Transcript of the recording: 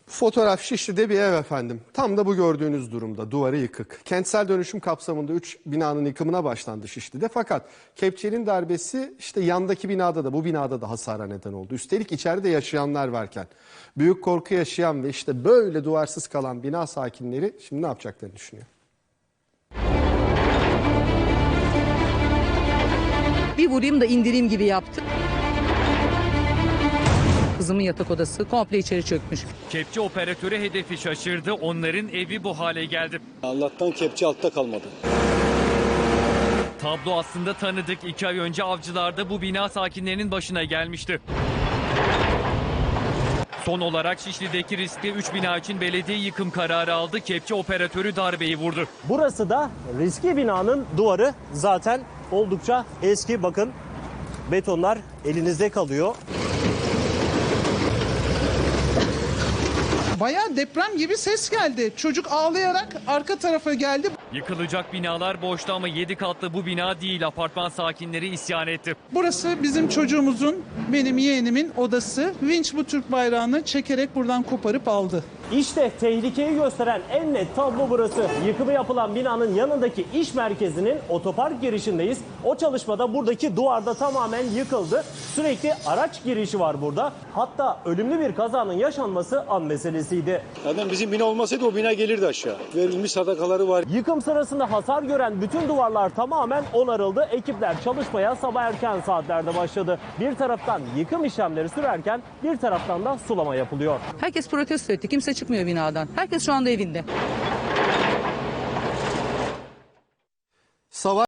Fotoğraf Şişli'de bir ev efendim. Tam da bu gördüğünüz durumda, duvarı yıkık. Kentsel dönüşüm kapsamında 3 binanın yıkımına başlandı Şişli'de. Fakat kepçenin darbesi işte yandaki binada da bu binada da hasara neden oldu. Üstelik içeride yaşayanlar varken. Büyük korku yaşayan ve işte böyle duvarsız kalan bina sakinleri şimdi ne yapacaklarını düşünüyor. Bir vurayım da indireyim gibi yaptı. Kızımın yatak odası komple içeri çökmüş. Kepçe operatörü hedefi şaşırdı. Onların evi bu hale geldi. Allah'tan kepçe altta kalmadı. Tablo aslında tanıdık. 2 ay önce Avcılar'da bu bina sakinlerinin başına gelmişti. Son olarak Şişli'deki riskli 3 bina için belediye yıkım kararı aldı. Kepçe operatörü darbeyi vurdu. Burası da riskli binanın duvarı, zaten oldukça eski. Bakın, betonlar elinizde kalıyor. Bayağı deprem gibi ses geldi. Çocuk ağlayarak arka tarafa geldi. Yıkılacak binalar boştu ama 7 katlı bu bina değil. Apartman sakinleri isyan etti. Burası bizim çocuğumuzun, benim yeğenimin odası. Vinç bu Türk bayrağını çekerek buradan koparıp aldı. İşte tehlikeyi gösteren en net tablo burası. Yıkımı yapılan binanın yanındaki iş merkezinin otopark girişindeyiz. O çalışmada buradaki duvarda tamamen yıkıldı. Sürekli araç girişi var burada. Hatta ölümlü bir kazanın yaşanması an meselesiydi. Zaten bizim bina olmasaydı o bina gelirdi aşağı. Verilmiş sadakaları var. Yıkım sırasında hasar gören bütün duvarlar tamamen onarıldı. Ekipler çalışmaya sabah erken saatlerde başladı. Bir taraftan yıkım işlemleri sürerken bir taraftan da sulama yapılıyor. Herkes protesto etti. Kimse çıkmıyor binadan. Herkes şu anda evinde. Savaş